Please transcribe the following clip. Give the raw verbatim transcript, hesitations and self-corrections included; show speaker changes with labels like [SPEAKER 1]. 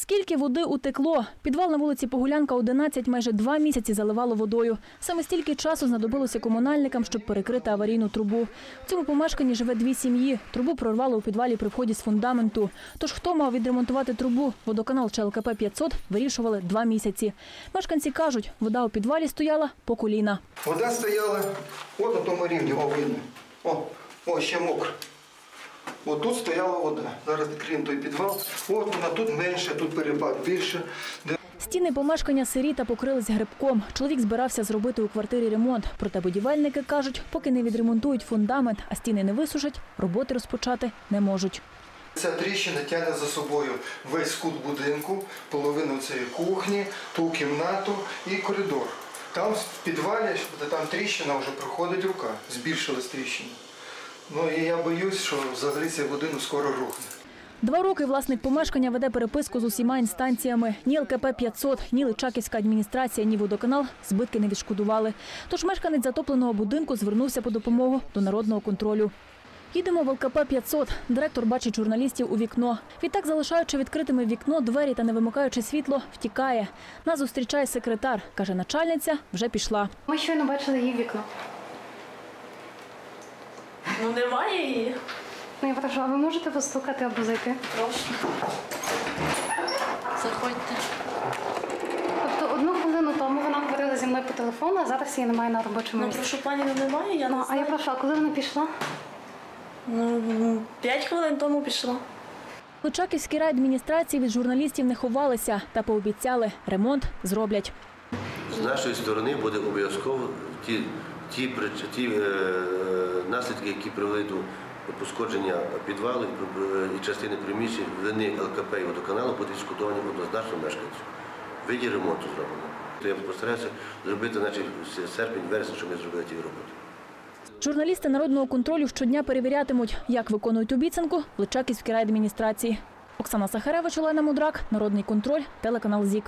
[SPEAKER 1] Скільки води утекло? Підвал на вулиці Погулянка, одинадцять, майже два місяці заливало водою. Саме стільки часу знадобилося комунальникам, щоб перекрити аварійну трубу. В цьому помешканні живе дві сім'ї. Трубу прорвало у підвалі при вході з фундаменту. Тож хто мав відремонтувати трубу? Водоканал чи Ел Ка Пе п'ятсот вирішували два місяці. Мешканці кажуть, вода у підвалі стояла по коліна.
[SPEAKER 2] Вода стояла от на тому рівні, о, видно. О, о, ще мокро. От тут стояла вода. Зараз відкриємо той підвал. От вона тут менше, тут перепад більше.
[SPEAKER 1] Стіни помешкання сирі та покрились грибком. Чоловік збирався зробити у квартирі ремонт. Проте будівельники кажуть, поки не відремонтують фундамент, а стіни не висушать, роботи розпочати не можуть.
[SPEAKER 2] Ця тріщина тягне за собою весь кут будинку, половину цієї кухні, ту кімнату і коридор. Там в підвалі, там тріщина вже проходить рука, збільшилась тріщина. Ну і я боюсь, що взагалі цей будинок скоро рухне.
[SPEAKER 1] Два роки власник помешкання веде переписку з усіма інстанціями. Ні Ел Ка Пе п'ятсот, ні Личаківська адміністрація, ні водоканал збитки не відшкодували. Тож мешканець затопленого будинку звернувся по допомогу до народного контролю. Їдемо в Ел Ка Пе п'ятсот. Директор бачить журналістів у вікно. Відтак, залишаючи відкритими вікно, двері та не вимикаючи світло, втікає. Нас зустрічає секретар. Каже, начальниця вже пішла.
[SPEAKER 3] Ми щойно бачили її вікно.
[SPEAKER 4] Ну, немає її.
[SPEAKER 3] Ну, я прошу, а ви можете постукати або зайти?
[SPEAKER 4] Прошу. Заходьте.
[SPEAKER 3] Тобто одну хвилину тому вона говорила зі мною по телефону, а зараз її немає на робочому
[SPEAKER 4] Ну,
[SPEAKER 3] місці.
[SPEAKER 4] прошу, пані, ну немає, я
[SPEAKER 3] Ну,
[SPEAKER 4] не
[SPEAKER 3] а
[SPEAKER 4] знаю.
[SPEAKER 3] я прошу, а коли вона пішла?
[SPEAKER 4] Ну, п'ять хвилин тому пішла.
[SPEAKER 1] Личаківській райадміністрації від журналістів не ховалися та пообіцяли – ремонт зроблять.
[SPEAKER 5] З нашої сторони буде обов'язково ті, ті, ті е, наслідки, які привели до пошкодження підвалу і частини приміщень вини Ел Ка Пе і водоканалу, будуть відшкодовані однозначно мешканців. В виді ремонту зроблено. Я постараюся зробити, наче серпень, вересень, щоб ми зробили ті роботи.
[SPEAKER 1] Журналісти народного контролю щодня перевірятимуть, як виконують обіцянку в Личаківській райадміністрації. Оксана Сахаревич, Олена Мудрак, Народний контроль, телеканал ЗІК.